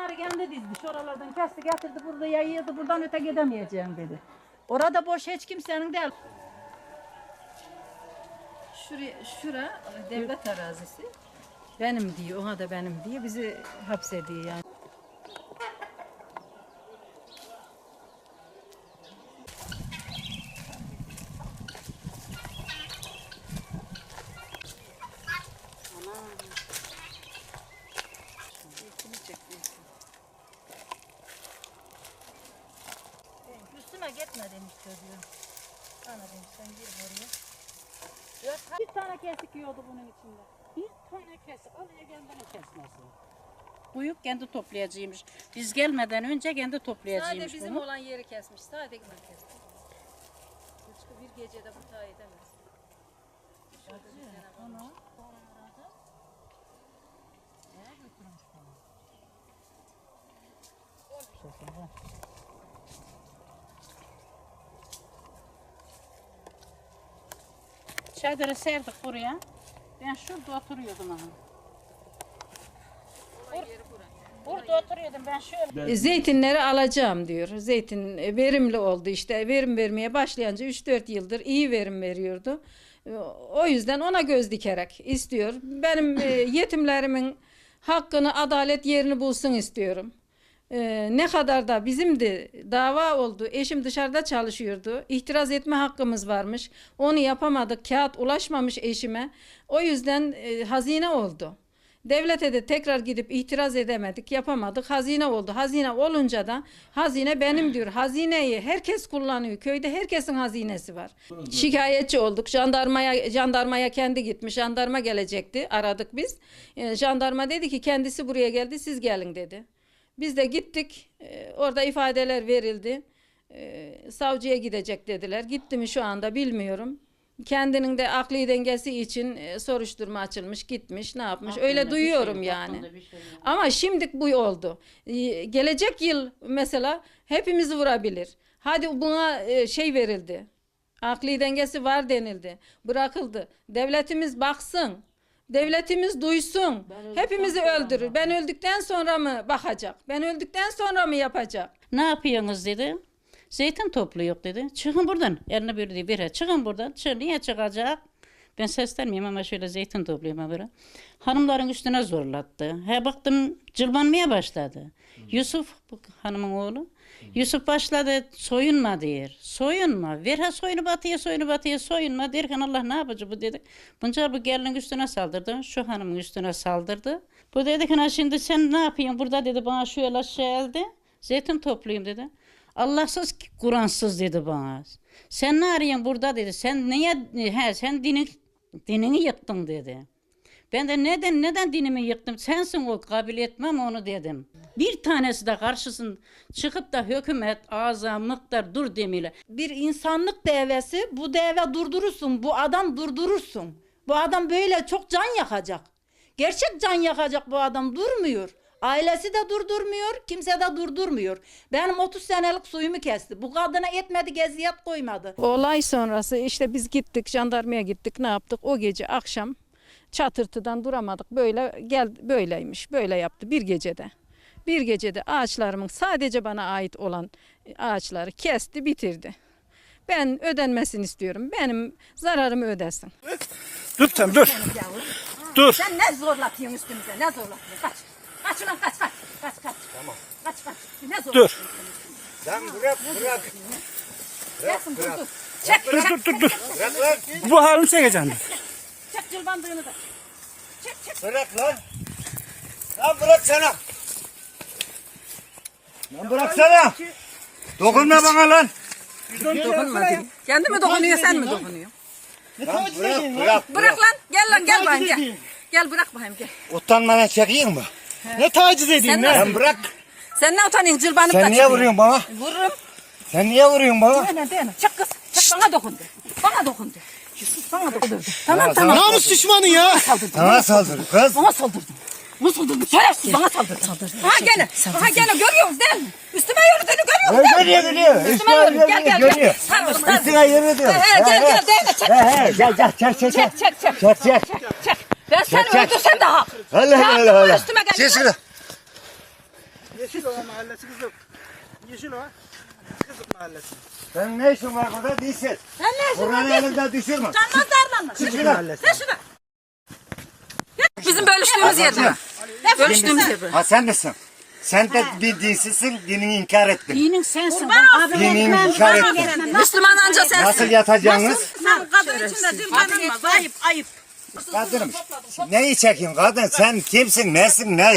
Bunları kendi dizdi. Şuralardan kesti getirdi burada yayıyordu. Buradan öte gidemeyeceğim dedi. Orada boş hiç kimsenin değil. Şura devlet arazisi. Benim diyor, ona da benim diyor. Bizi hapsediyor yani. Üstüme gitme demiş çocuğum. Ana demiş sen gir oraya. Bir tane kesik yiyordu bunun içinde. Bir tane kesik. Alaya kendini kesmesin. Kuyuk kendi toplayacağıymış. Biz gelmeden önce kendi toplayacağıymış. Sadece bizim olan yeri kesmiş. Sadece ben kestim. Hiçbir bir gecede bu ta edemez. Onu. Çadırı serdik buraya. Ben şurada oturuyordum ama. Burada oturuyordum ben şöyle. Zeytinleri alacağım diyor. Zeytin verimli oldu işte. Verim vermeye başlayınca 3-4 yıldır iyi verim veriyordu. O yüzden ona göz dikerek istiyor. Benim yetimlerimin hakkını, adalet yerini bulsun istiyorum. Ne kadar da bizim de dava oldu. Eşim dışarıda çalışıyordu. İtiraz etme hakkımız varmış. Onu yapamadık. Kağıt ulaşmamış eşime. O yüzden hazine oldu. Devlete de tekrar gidip itiraz edemedik, yapamadık. Hazine oldu. Hazine olunca da hazine benim diyor. Hazineyi herkes kullanıyor. Köyde herkesin hazinesi var. Şikayetçi olduk. Jandarmaya kendi gitmiş. Jandarma gelecekti. Aradık biz. Jandarma dedi ki kendisi buraya geldi. Siz gelin dedi. Biz de gittik. Orada ifadeler verildi. Savcıya gidecek dediler. Gitti mi şu anda bilmiyorum. Kendinin de akli dengesi için soruşturma açılmış, gitmiş, ne yapmış. Öyle duyuyorum yani. Ama şimdi bu oldu. Gelecek yıl mesela hepimizi vurabilir. Hadi buna şey verildi. Akli dengesi var denildi. Bırakıldı. Devletimiz baksın. Devletimiz duysun. Hepimizi öldürür. Ben öldükten sonra mı bakacak? Ben öldükten sonra mı yapacak? Ne yapıyorsunuz dedi. Zeytin topluyor dedi. Çıkın buradan. Eline bir bire. Çıkın buradan. Niye çıkacak? Ben seslenmeyeyim ama şöyle zeytin topluyorum böyle. Hanımların üstüne zorlattı. Baktım cılbanmaya başladı. Yusuf hanımın oğlu. Yusuf başladı soyunma diyor. Soyunma. Ver soyunu batıya soyunma derken Allah ne yapacak bu dedik. Bunca bu gelinin üstüne saldırdı. Şu hanımın üstüne saldırdı. Bu dedi ki şimdi sen ne yapıyorsun burada dedi bana şöyle geldi. Zeytin toplayayım dedi. Allahsız Kur'ansız dedi bana. Sen ne arıyorsun burada dedi. Sen niye sen dinini yıktın dedi. Ben de neden dinimi yıktım? Sensin o, kabul etmem onu dedim. Bir tanesi de karşısın çıkıp da hükümet ağza mıktar dur demiyle. Bir insanlık devesi bu deve durdurursun. Bu adam durdurursun. Bu adam böyle çok can yakacak. Gerçek can yakacak bu adam durmuyor. Ailesi de durdurmuyor, kimse de durdurmuyor. Benim 30 senelik suyumu kesti. Bu kadına etmedi, geziyet koymadı. Olay sonrası işte biz gittik, jandarmaya gittik, ne yaptık? O gece akşam çatırtıdan duramadık. Böyleymiş, böyle yaptı bir gecede. Bir gecede ağaçlarımın sadece bana ait olan ağaçları kesti, bitirdi. Ben ödenmesini istiyorum. Benim zararımı ödesin. Dur sen dur. Dur. Sen ne zorlatıyorsun üstümüze? Ne zorlatıyorsun? Kaç. Kaç ulan kaç. Tamam. Kaç. Ne zorlatıyorsun? Dur. Sen bırak. Gelsin dur. Çek. Dur. Bu halini çekeceksin. Çek cılbandığını da. Çek. Bırak lan. Lan bıraksana. Lan bıraksana. Dokunma bana lan. Dokunma. Kendi mi dokunuyor sen mi dokunuyorsun? Lan bırak. Bırak lan. Gel bakayım gel. Gel bırak bakayım gel. Utanmadan çekeyim mi? Ne taciz edeyim lan? Lan bırak. Sen ne utanıyorsun cılbanıp Sen niye vuruyorsun bana? Vururum. Sen niye vuruyorsun bana? Dene. Çek kız. Çek bana dokundu. Bana dokundu. Tamam. Namus düşmanı ya. Sana saldırın kız. Bana saldırdın. Şerefsiz bana saldırdın. Aha gene görüyoruz değil mi? Üstüme yürüdüğünü görüyoruz değil mi? Görüyor. Üstüme yürü. Gel. Görüyor. Sarmış. Üstüne yürüdü. Gel. Çek. Ben seni öldürsem de hak. Allah. Üstüme gel. Çek şunu. Yeşilova mahallesi kızım. Yeşilova. Kızık mahallesi. Sen ne işin var burada değilsin. Sen ne işin var? Buranın elinden düşürme. Canmaz darlanma. Kızık mahallesi. Sen şuna. Bizim bölüştüğümüz yerde. Bölüştüğümüz yerde. Ha sen misin? Sen de bir dinsizsin, dinini inkar ettin. Dinin sensin. Dinini inkar ettin. Müslüman anca sensin. Nasıl yatacaksınız? Sen kadın içinde dil tanınmaz. Ayıp ayıp. Kadınım. Neyi çekin kadın? Sen kimsin, nesin, ne?